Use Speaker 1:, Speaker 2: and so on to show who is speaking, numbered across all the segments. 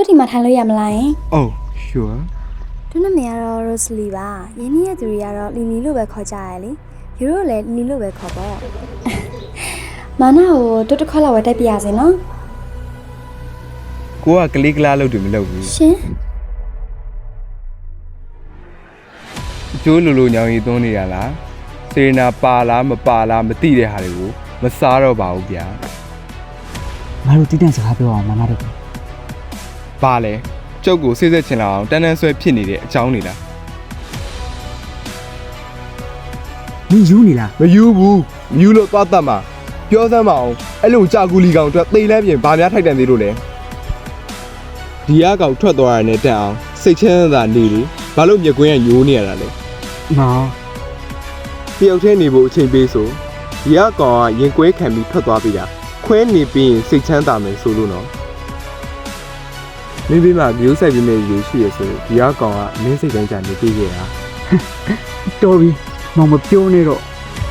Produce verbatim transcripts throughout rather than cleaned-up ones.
Speaker 1: တို့ဒီမှာထိုင်လို့ရမလားယင်
Speaker 2: Oh sure
Speaker 1: တို့နာမည်ကတော့ Rosalie ပါယင်းရဲ့သူတွေကတော့လီလီလို့ပဲခေါ်ကြရလေယူတို့လည်းလီလို့ပဲခေါ်ပေါ့မာနာကိုတို့တစ်ခါလောက်ဝယ်တိုက်ပြရစေနော်
Speaker 2: ကိုကကလေးကလားလို့တူမလုပ်ဘူး
Speaker 1: ရှင်
Speaker 2: ကျိုးလူလူညောင်ရီသွန်းနေရလားစေနာပါလားမပါလားမသိတဲ့ဟာတွေကိုမစားတော့ပါဘူးဗျာ
Speaker 3: ငါတို့တိတန့်စကားပြောအောင်မမတို့
Speaker 2: ပါလေကျုပ်ကိုစိတ်ဆက်ချင်လာအောင်တန်းတန်းဆွဲဖြစ်နေတဲ့အကြောင်းနေလား
Speaker 3: မင်းယူနေလား
Speaker 2: မယူဘူးမယူလို့သွားတတ်မှာပြောစမ်းမအောင်အဲ့လိုကြာကူလီကောင်အတွက်သိလန်းပြင်ဘာများထိုက်တန်သေးလို့လဲဒီအကောင်ထွက်သွားရတဲ့တက်အောင်စိတ်ချမ်းသာနေလေဘာလို့မြက်ကွင်းကညိုးနေရတာလဲ
Speaker 3: မောင်
Speaker 2: တယောက်တည်းနေဖို့အချိန်ပေးဆိုဒီအကောင်ကရင်ကွဲခံပြီးထွက်သွားပြီလားခွဲနေပြီးရင်စိတ်ချမ်းသာမယ်ဆိုလို့နော်မင်းပြီးမှမျိုးဆိုင်ပြီးနေရရှိရဆိုဒီအကောင်ကမင်းစိတ်တိုင်းကြနေပြီးခဲ့တာ
Speaker 3: တော်ပြီမောင်မပြောနဲ့တော့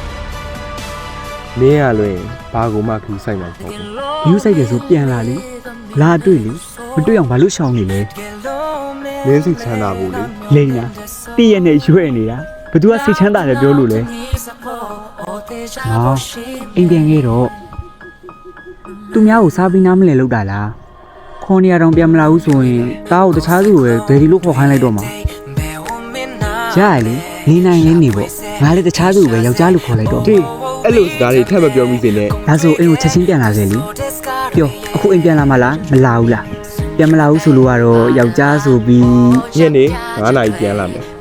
Speaker 2: မင်းရလွင်ဘာကူမှခူးဆိုင်မှာပေါ့
Speaker 3: ယူဆိုင်တယ်ဆိုပြန်လာလေလာတွေ့လေမတွေ့အောင်ဘာလို့ရှောင်နေလဲ
Speaker 2: မင်းစိတ်ချမ်းသာဖို့လေ
Speaker 3: လိန်လားတည့်ရနဲ့ရွဲ့နေတာဘသူကစိတ်ချမ်းသာတယ်ပြောလို့လဲမောင်အိမ်ပြန်ခဲ့တော့သူများကိုစားပြီးနားမလည်လောက်တာလားခေါ်နေရတော့ပြန်မလာဘူးဆိုရင်တားကိုတခြားသူကိုပဲဒယ်ဒီလို့ခေါ်ခိုင်းလိုက်တော့မှာရရလေနေနိုင်လဲနေပေါ့ငါလည်းတခြားသူကိုပဲယောက်ျားလို့ခေါ်လိုက်တော့
Speaker 2: ဒီအဲ့လိုစကားတွေထပ်မပြောမိစေနဲ့
Speaker 3: ဒါဆိုအိမ်ကိုချက်ချင်းပြန်လာစေလေပြောအခုအိမ်ပြန်လာမလားမလာဘူးလားပြန်မလာဘူးဆိုလို့ကတော့ယောက်ျားဆိုပြီး
Speaker 2: ညနေ9နာရီပြန်လာမယ်